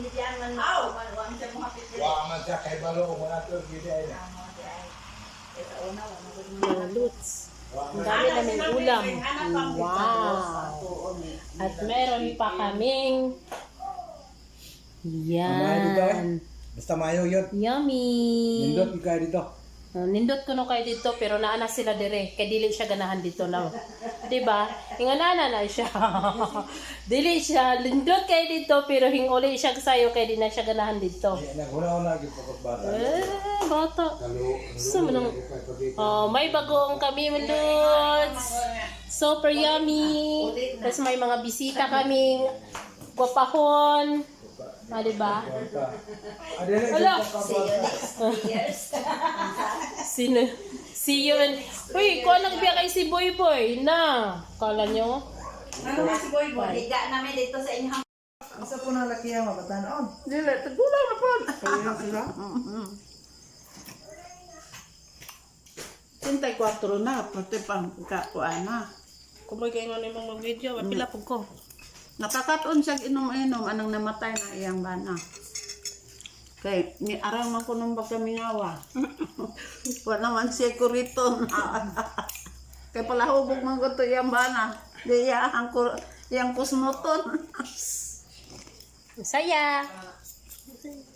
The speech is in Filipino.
Wa man siya kay balo ko na to gid ay. Luts. Ang dami naming ulam. Wow. At meron pa kaming yan. Basta mayo yun. Yummy. Nindot ka dito. Nindot ko no kayo dito pero naana sila dire kay dili siya ganahan dito na. Diba? Inganana na siya. Dili siya lindot kayo dito pero hinguli siya sayo kay di na siya ganahan dito. Naguna-una gyud pagkat bata. Bata. Gusto mo nang may bagong kami Lods. Super yummy. Tapos may mga bisita kaming gwapahon. Diba? Wala. Sino? See you and... Uy, kung anong biya kay si Boy Boy na. Kala nyo? Ano nga si Boy Boy? Higa namin dito sa inyong... Asa po na laki ang mabatanon? Dili, tagulang na po. Ayun sila. 34 na, pati pang kakuan na. Kumay kayo nga namang mag-video. Pila po ko. Nakakataon siya inom-inom, anong namatay na iyang bana. Kay, ni arang man ko nung bagamingawa. Wala naman siya kuriton. Kay pala hubog man ko to iyang bana. Di iyang kusmoton. Saya.